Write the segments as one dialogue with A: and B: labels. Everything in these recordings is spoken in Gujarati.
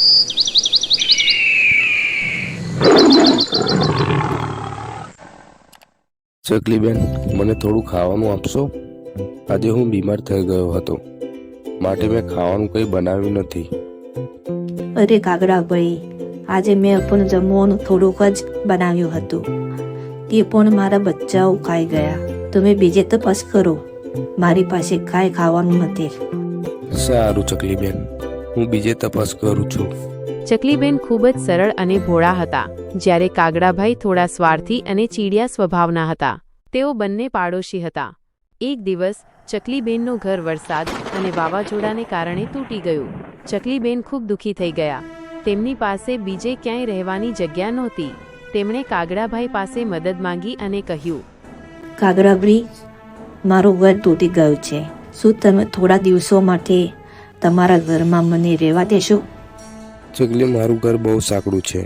A: ચકલીબેન, મને થોડું ખાવાનું આપશો? આજે હું બીમાર થઈ ગયો હતો, માટે મેં ખાવાનું કંઈ બનાવ્યું નથી.
B: અરે કાગડાભાઈ, આજે મેં પણ જમવાનું થોડુંક જ બનાવ્યું હતું. તે પણ મારા બચ્ચાઓ ખાઈ ગયા. તમે બીજે તપાસ કરો, મારી પાસે કાંઈ ખાવાનું નથી.
A: સારું ચકલીબેન, હું બીજે તપાસ કરું છું.
C: ચકલીબેન ખૂબ જ સરળ અને ભોળા હતા, જ્યારે કાગડાભાઈ થોડા સ્વાર્થી અને ચીડિયા સ્વભાવના હતા. તેઓ બંને પાડોશી હતા. એક દિવસ ચકલીબેનનું ઘર વરસાદ અને વાવાઝોડાને કારણે તૂટી ગયું. ચકલીબેન ખૂબ દુઃખી થઈ ગયા. તેમની પાસે બીજે ક્યાંય રહેવાની જગ્યા નહોતી. તેમણે કાગડાભાઈ પાસે મદદ માંગી અને કહ્યું,
B: કાગડાભાઈ, મારું ઘર તૂટી ગયું છે. શું તમે થોડા દિવસો માટે તમારા ઘરમાં મને રહેવા દેશો?
A: ચકલી, મારું ઘર બહુ સાંકડું છે.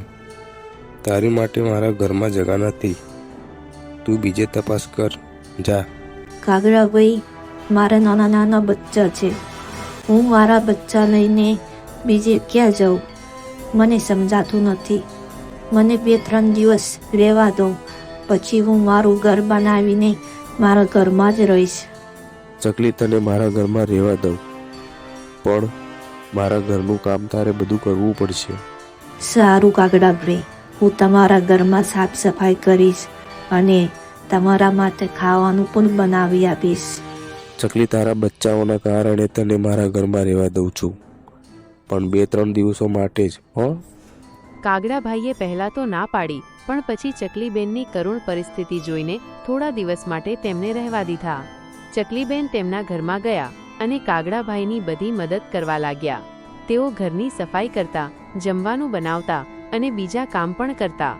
A: તારી માટે મારા ઘરમાં જગા નથી. તું બીજે તપાસ કર, જા.
B: કાગડાભાઈ, મારા નાના નાના બચ્ચા છે. હું મારા બચ્ચા લઈને બીજે ક્યાં જાઉં? મને સમજાતું નથી. મને 2-3 દિવસ રહેવા દો, પછી હું મારું ઘર બનાવીને મારા ઘરમાં જ રહીશ.
A: ચકલી, તને મારા ઘરમાં રહેવા દઉં, પણ મારા ઘરનું કામ તારે બધું કરવું પડશે.
B: સારું કાગડાભાઈ, હું તમારા ઘરમાં સાફ સફાઈ કરીશ અને તમારા માટે ખાવાનું પણ બનાવી આપીશ.
A: ચકલી, તારા બચ્ચાઓના કારણે તને મારા ઘરમાં રહેવા દઉં છું, પણ 2-3 દિવસો માટે જ, હો?
C: કાગડાભાઈએ પહેલાં તો ના પાડી, પણ પછી ચકલીબેનની કરુણ પરિસ્થિતિ જોઈને થોડા દિવસ માટે તેમને રહેવા દીધા. ચકલીબેન તેમના ઘરમાં ગયા અને કાગડાભાઈની બધી મદદ કરવા લાગ્યા. તેઓ ઘરની સફાઈ કરતા, જમવાનું બનાવતા અને બીજા કામ પણ કરતા.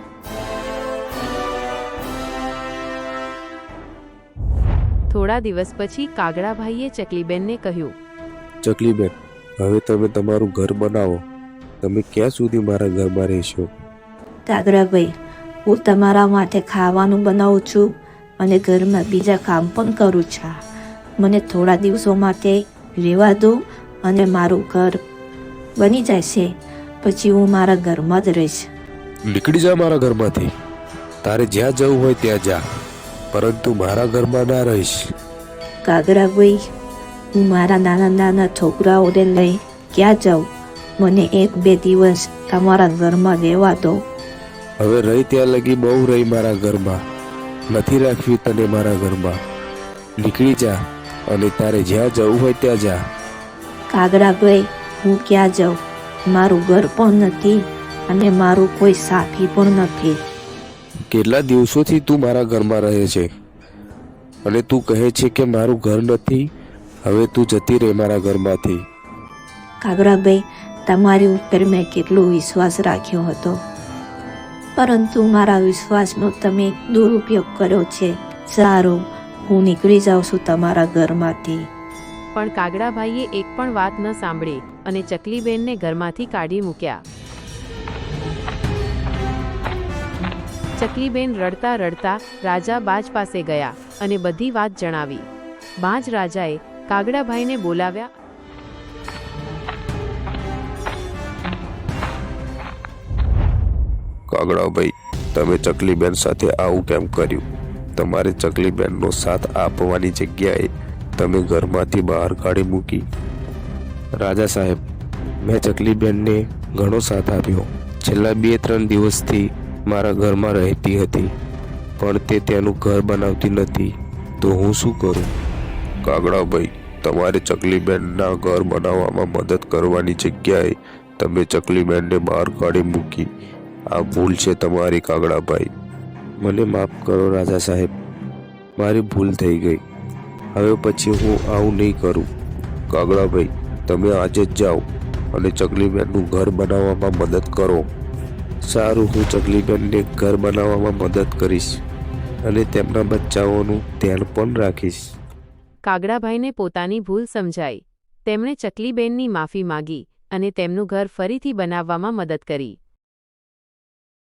C: થોડા દિવસ પછી કાગડાભાઈએ ચકલીબેનને કહ્યું,
A: ચકલીબેન, હવે તમે તમારું ઘર બનાવો. તમે ક્યાં સુધી મારા ઘરમાં રહેશો?
B: કાગડાભાઈ, હું તમારા માટે ખાવાનું બનાવું છું અને ઘરમાં બીજા કામ પણ કરું છું. મને થોડા દિવસો માટે રહેવા દો અને મારું ઘર બની જશે, પછી હું મારા ઘરમાં જ રહીશ.
A: નીકળી જા મારા ઘરમાંથી. તારે જ્યાં જવું હોય ત્યાં જા, પરંતુ મારા ઘરમાં ના રહીશ.
B: કાગડાભાઈ, હું મારા નાના નાના છોકરાઓને લઈ ક્યાં જાઉં? મને 1-2 દિવસ તમારા ઘરમાં રહેવા દો.
A: હવે રહી ત્યાં લગી બહુ રહી મારા ઘરમાં. નથી રાખવી તને મારા ઘરમાં. નીકળી જા અને તારે જ્યાં જવું હોય ત્યાં જા.
B: કાગડાભાઈ, હું ક્યાં જાઉં? મારું ઘર પણ નથી અને મારું કોઈ સાથી પણ નથી.
A: કેટલા દિવસોથી તું મારા ઘરમાં રહે છે અને તું કહે છે કે મારું ઘર નથી. હવે તું જતી રહે મારા ઘરમાંથી.
B: કાગડાભાઈ, તમારી ઉપર મેં કેટલો વિશ્વાસ રાખ્યો હતો, પરંતુ મારા વિશ્વાસનો તમે દુરુપયોગ કર્યો છે. સારું, હું નીકળી જાઉં છું તમારા ઘરમાંથી.
C: પણ કાગડાભાઈએ એક પણ વાત ન સાંભળી અને ચકલીબેનને ઘરમાંથી કાઢી મૂક્યા. ચકલીબેન રડતા રડતા રાજા બાજ પાસે ગયા અને બધી વાત જણાવી. બાજ રાજાએ કાગડાભાઈને બોલાવ્યા.
A: કાગડાભાઈ, તમે ચકલીબેન સાથે આવું કેમ કર્યું? તમારે ચકલીબેનનો સાથ આપવાની જગ્યાએ તમે ઘરમાંથી બહાર કાઢી મૂકી. રાજા સાહેબ, મેં ચકલીબેનને ઘણો સાથ આપ્યો. છેલ્લા 2-3 દિવસથી મારા ઘરમાં રહેતી હતી, પણ તે તેનું ઘર બનાવતી નથી, તો હું શું કરું? કાગડાભાઈ, તમારે ચકલીબેનના ઘર બનાવવામાં મદદ કરવાની જગ્યાએ તમે ચકલીબેનને બહાર કાઢી મૂકી. આ ભૂલ છે તમારી કાગડાભાઈ. મને માફ કરો રાજા સાહેબ, મારી ભૂલ થઈ ગઈ. હવે પછી હું આવું નહીં કરું. કાગડાભાઈ, તમે આજે જ જાઓ અને ચકલીબેનનું ઘર બનાવવામાં મદદ કરો. સારું, હું ચકલીબેનને ઘર બનાવવામાં મદદ કરીશ અને તેમના બચ્ચાઓનું ધ્યાન પણ રાખીશ.
C: કાગડાભાઈને પોતાની ભૂલ સમજાઈ. તેમણે ચકલીબેનની માફી માગી અને તેમનું ઘર ફરીથી બનાવવામાં મદદ કરી.